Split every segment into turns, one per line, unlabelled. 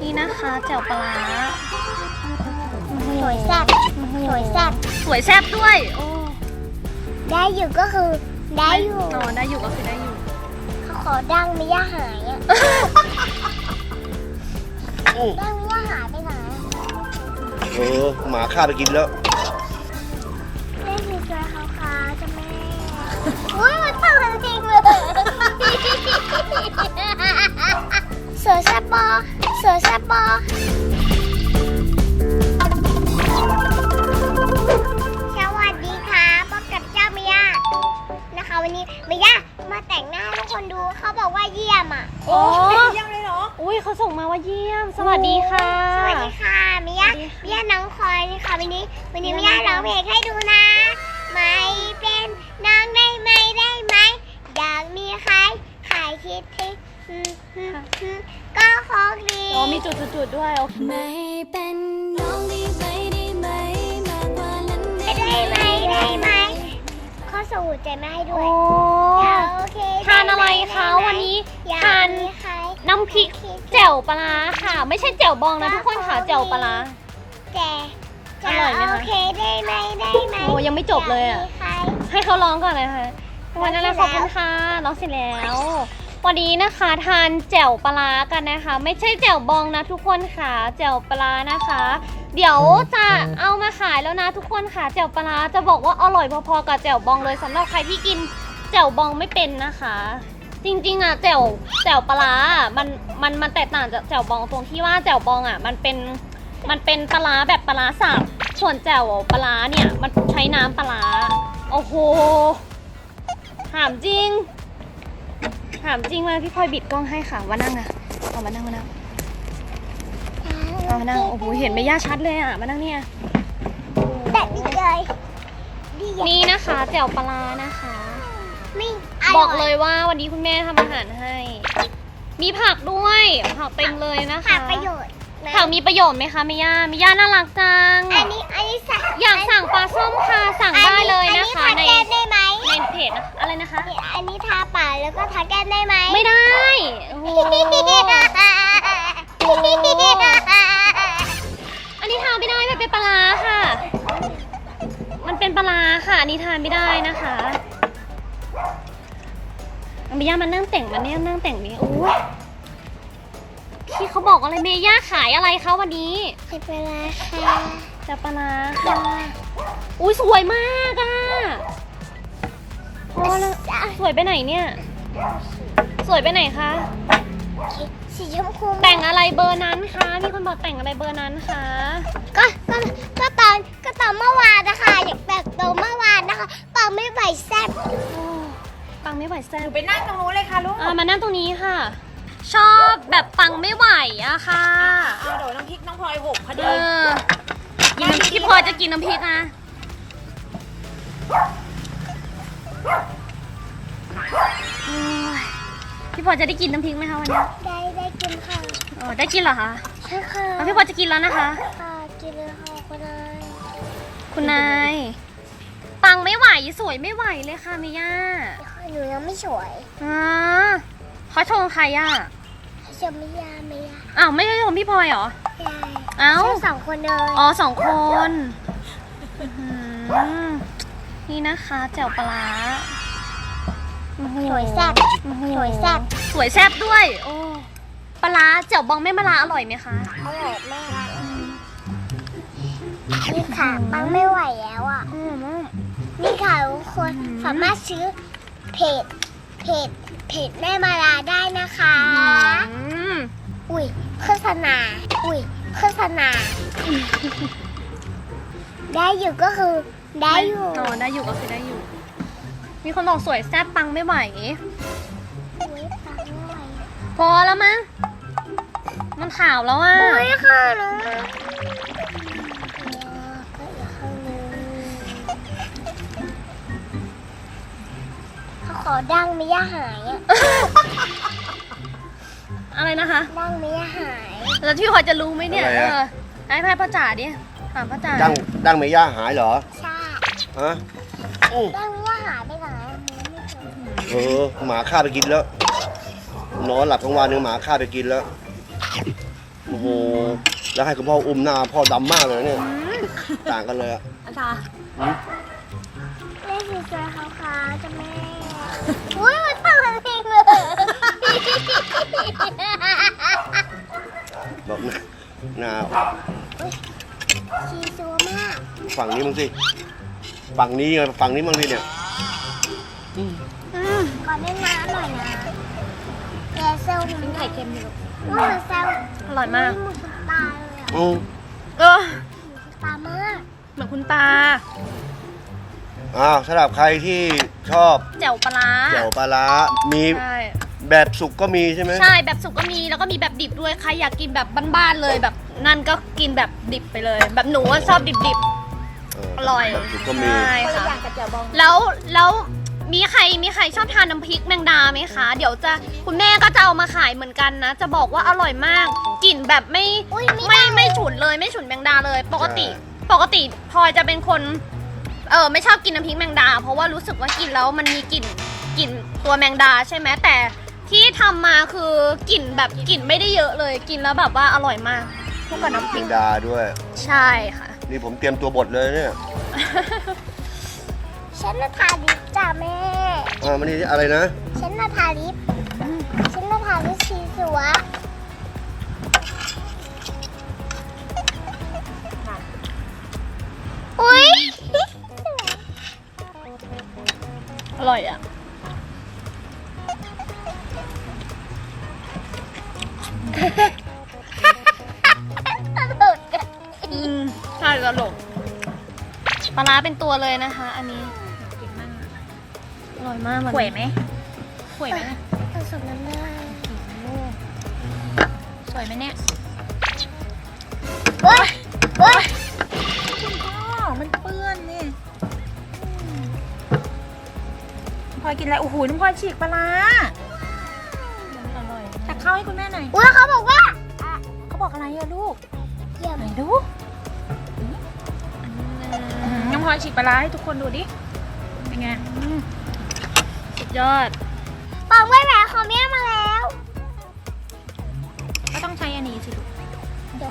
นี่นะคะแจ่วปลาร้า
สวยแซ่บสวยแซ่บ
สวยแซ่บด้วยโอ้
ได้อยู่ก็คือได้อยู่
อ๋อได้อยู่ก็คือได้อยู่
เขาขอดังไม่ย่าหายอ่ะดังไม่ย่าหายไปไหน
หมาฆ่าไปกินแล้ว
เล่นมีตัวขาวๆจะแม่อุ้ยมันตั้งจริงเลยเสือแซ่บปอเสือแซ่บปอสวัสดีค่ะพบกับเจ้าเมียนะคะวันนี้เมียมาแต่งหน้าให้ทุกคนดูเขาบอกว่าเยี่ยมอ่ะ
โอ้
เยี่ยมเลยเหรอ
อุ้ยเขาส่งมาว่าเยี่ยมสวัสดีค่ะ
สวัสดีค่ะเมียน้องคอยค่ะวันนี้เมียร้องเพลงให้ดูนะไม่เป็นน้องได้ไหมอยากมีใครขายคิดถึงก็คงดี
อ๋อมีจุดๆด้วยโอเค
ไม่เป็นน้องได้ไหมมากกว่านั้น
ได้ไหมข้อสมุดใจมาให้ด้
โอ้
วยโอเค
ทานอะไรคะวันนี้ทานน้ำพริกแจ่วปลาร้าค่ะ ไม่ใช่แจ่วบองนะทุกคนค่ะแจ่วปลาร้า
แจ
อร่อยไหมคะ
โอเคได้ไหม
โอ้ยังไม่จบเลยอะ
ากมีใคร
ให้เขาร้องก่อนเลยค่ะวันนั้นนะขอบคุณค่ะร้องเสร็จแล้ววันนี้นะคะทานแจ่วปลาร้ากันนะคะ ไม่ใช่แจ่วบองนะทุกคนค่ะแจ่วปลาร้านะคะ เดี๋ยวจะเอามาขายแล้วนะทุกคนค่ะแจ่วปลาร้าจะบอกว่าอร่อยพอๆกับแจ่วบองเลยสำหรับใครที่กินแจ่วบองไม่เป็นนะคะ จริงๆอ่ะแจ่วปลาร้ามันแตกต่างจากแจ่วบองตรงที่ว่าแจ่วบองอ่ะมันเป็นปลาร้าแบบปลาร้าสับส่วนแจ่วปลาร้าเนี่ยมันใช้น้ำปลาร้าโอ้โหถามจริงเลยพี่พลอยบิดกล้องให้ค่ะว่านั่งนะเอามานั่งเอามานั่งโอ้โหเห็นไม่ย่าชัดเลยอ่ะมานั่งเนี่ย
แบบนี้เลยดี
นี่นะคะแจ่วปลาร้านะคะ
ไม่
บอกเลยว่าวันนี้คุณแม่ทำอาหารให้ มีผักด้วยผักเต็มเลยนะคะ
ขาดประโยชน์นะ
ผักมีประโยชน์ไหมคะมิย่าน่ารักจัง
อันนี้สั่ง
อยากสั่งปลาส้มค่ะสั่งได้เลยนะคะ
อันนี้ทาแก้มได้ไหม
ในเพจนะอะไรนะคะ
อันนี้ทาปากแล้วก็ทาแก้มได้ไหม
ไม่ได้โอ้โหอันนี้ทานไม่ได้มันเป็นปลาร้าค่ะ มันเป็นปลาร้าค่ะอันนี้ทานไม่ได้นะคะมิย่ามันนั่งแต่งมันเนี่ยนั่งแต่งนี้โอ้ยพี่เขาบอกอะไรเมย่าขายอะไรคะวันนี้
ไม่เป็นไรค่ะ
จะปลาร้าค่ะอุ้ยสวยมากอ่ะพอแล้วสวยไปไหนเนี่ย สวยไปไหนคะ
สีชมพู
แต่งอะไรเบอร์นั้นคะมีคนบอกแต่งอะไรเบอร์นั้นคะ
ก็ตอนเมื่อวานนะคะอยากแต่งตัวเมื่อวานนะคะปากไม่ไหวแซ่บ
โอ้ปังไม่ไหวแซ่
ห
บ
นูไปนั่งตรงนู้นเลยค่ะลูก
มานั่งตรงนี้ค่ะ ชอบแบบปังไม่ไหวอะค่ะ
เอาเดี๋ยวน้ำพริกน้องพลอยหกพอ
เอ
ดี
อกินน้ำพี่พลอยจะกินน้ำพริกนะโอ้ยพี่พลอยจะได้กินน้ำพริกไหมคะวันนี้
ได้กินค่ะ
อ๋อได้กินเหรอคะ
ใช่ค่ะ
แล้วพี่พลอยจะกินแล้วนะคะ
ค่ะกินเลยค่ะคุณนาย
คุณนายปังไม่ไหวสวยไม่ไหวเลยค่ะเมย่า
หนูยังไม่สวย
อ๋อเขาชงใครอ่ะ
จะไม่ยา
อ้าวไม่ใช่ชงพี่พลอยเหรอ
ยาย
เอ้า
ใช่2 คนเลย
อ๋อ2 คนอื้อหือนี่นะคะแจ่วปลาร้าโอ้โห
สวยแซ่บ
โอ้โห
สวยแซ่บ
สวยแซ่บด้วยโอ้ปลาร้าแจ่วบองไม่มะระอร่อยไหมคะ
อร่อยมากนี่ค่ะปังไม่ไหวแล้วอ่ะ
อืม
นี่ค่ะทุกคนสามารถซื้อเพจแม่มาลาได้นะคะ อุ้ยโฆษณาได้อยู่ก็คือได้อยู่
อ๋อได้อยู่ก็คือได้อยู่ มีคนบอกสวยแซ่บปังไม่ไหว
อุ๊ยปังไม่ไหว
พอแล้วมั้งมันขาวแล้วอ่ะ
อุ้ยค่ะน้องก็อีกข้างนึงเขาขอดังไม่ย่าหายอ่ะ
อะไรนะคะ
ดังไม่ย่าหาย
แล้วพี่พลอยจะรู้ไหมเนี่ย
อะไรอะ
ให้พ่อจ๋าดิถามพ่อจ๋า
ดังเมย่าหายเหรอ
ใช่
ฮะ
ดังไม่ย่าหายไปไหนมันไม่เจอ
หมาฆ่าไปกินแล้ว นอนหลับทั้งวันนึงหมาฆ่าไปกินแล้ว โอ้โหโห แล้วให้คุณพ่ออุ้มหน้าพ่อดำมากเลยนะเนี่ย ต่างกันเลยอะ
อาจารย์
เล่นสีสวยขาวๆจ้ะแม่ อุ้ยมันต่างกันเองเลย
บอกหน้า
สีสวยมาก
ฝั่งนี้มั้งสิ ฝั่งนี้ไงฝั่งนี้มั้งสิเนี่ย
ก่อนเล่นน้ำหน่อยนะแกเซลล์
เป็นไข่เค็มอยู่
อุ้ยมันเซลล์
อร่อยมาก
เหมือนคุณตาเลยอะ
อืม
เออ
คุณตามาก
เหมือนคุณตา
อ้าวสำหรับใครที่ชอบ
แจ่วปลาร้า
แจ่วปลาร้ามี
ใช่
แบบสุกก็มีใช่ไหม
ใช่แบบสุกก็มีแล้วก็มีแบบดิบด้วยใครอยากกินแบบบ้านๆเลยแบบนั่นก็กินแบบดิบไปเลย แบบหนูว่าชอบดิบๆอร่อย
แบบสุกก็มี
ใช่
คนละ
ค่ะ
อย่างกับแจ่วบอง
แล้วมีใครชอบทานน้ำพริกแมงดาไหมคะ เดี๋ยวจะคุณแม่ก็จะเอามาขายเหมือนกันนะ จะบอกว่าอร่อยมากกลิ่นแบบไม่ฉุนเลยไม่ฉุนแมงดาเลย ปกติพลอยจะเป็นคนไม่ชอบกินน้ำพริกแมงดา เพราะว่ารู้สึกว่ากินแล้วมันมีกลิ่นตัวแมงดาใช่ไหมแต่ที่ทำมาคือกลิ่นแบบกลิ่นไม่ได้เยอะเลยกินแล้วแบบว่าอร่อยมากคู่กับน้ำพ
แม
ริก
งดาด้วย
ใช่ค่ะ
นี่ผมเตรียมตัวบดเลยเนี่ย
ฉันน่ะทาลิปจ้ะแม่
มันนี่อะไรนะ
ฉันน่ะทาลิปสีสวย อุ้ย
อร่อยอ่ะ
ตลกอะ
ใช่ตลกปลาร้าเป็นตัวเลยนะคะ อันนี้อร่อยมากมัน
ข่วยไหมข่วยไหมเนี่ย
ผสมน้ำได้
สวยไหมเนี่ย
เฮ้ย
คุณพ่อมันเปื้อนนี่พลอยกินอะไรโอ้โหน้องพลอยฉีกปลาร้า
อร่อย
ตักข้าวให้คุณแม่หน่อย
อุ้ยเขาบอกว่า
เขาบอกอะไรอะลูก
เยี่ยม
ไหนดูน้องพลอยฉีกปลาร้าให้ทุกคนดูดิเป็นไง
สุดยอด
ปองไว้แหวนของแม่มาแล้ว
ก็ต้องใช้อันนี้สิลูก
เดี๋ยว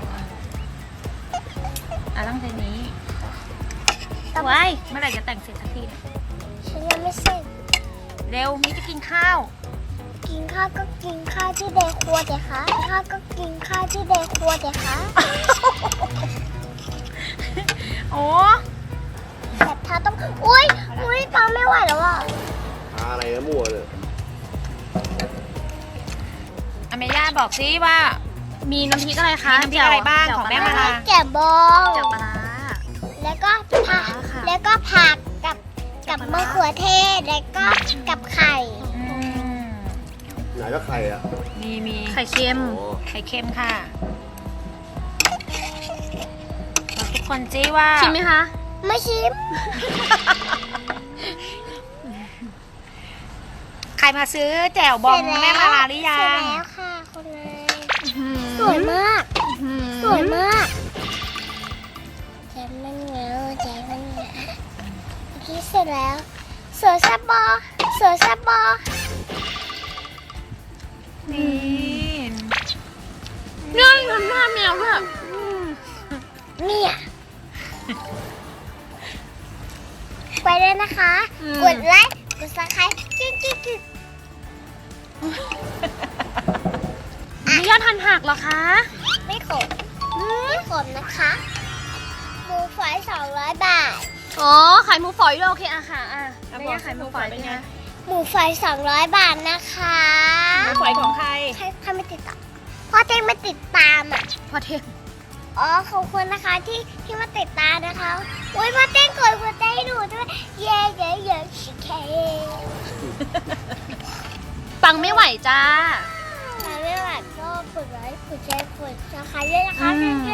ต้องใช้นี้
ว้าย
เมื่อไหร่จะแต่งเสร็จสักทีเนี่ย
ฉันยังไม่เสร็จ
เร็วมีจะกินข้าว
กินข้าวก็กินข้าวที่เดครัวเดี๋ยวคะกินข้าวก็กินข้าวที่เดครัวเดี๋ยวคะ
โอ้
แบบถ้าต้องอุ้ยปองไม่ไหวแล้วอ่ะ
อะไรนะมั่วเลย
อเมย่าบอกซิว่า
มีน้ำพริกอะไรคะ
มีน้ำพริกอะไรบ้างของแม่มาลา
แจ่บอง
แจ่วปลาร้า
แล้วก็ผัก
ค่ะ
แล้วก็ผักกับมะเขือเทศแล้วก็กับไข่
ไหนก็ไข่อ่ะ
มี
ไข่เค็ม
โอ้
ไข่เค็มค่ะบอกทุกคนซิว่า
ชิมไหมคะ
ไม่ชิม
ใครมาซื้อแจ่วบองแม่มาลาหรือยั
เสร็จ
ง
แล้วค่ะคุณนายสวยมาก สวยมากใจมันเหงาใจมันเหงาเมื่อกี้เสร็จแล้วสวยแซ่บบอสวยแซ่บบอ
นี่
เนี่ยทำหน้าแมวด้วย
เนี่ยไปเลยนะคะ กดไลค์กดซับสไครต์กิ๊ก
มียอดทันหักเหรอคะ
ไม่ขมนะคะหมูฝอย200 บาท
อ๋อขายหมูฝอยด้วยโอเคอะค่ะไม่ยากขายหมูฝอยเป็นไง
หมูฝอย200 บาทนะคะ
น้ำฝอยของใคร
ใครไม่ติดตามพ่อเต้งมาติดตามอ่ะ
พอเทง
อ๋อขอบคุณนะคะที่มาติดตามนะคะอุ้ยพ่อเต้งกดหัวใจให้หนูด้วยเย้ชิคเค
ปังไม่ไหวจ้า
ถ้าไม่ไหวก็กดไลค์กดแชร์กดซับสไครต์ด้วยนะคะแค่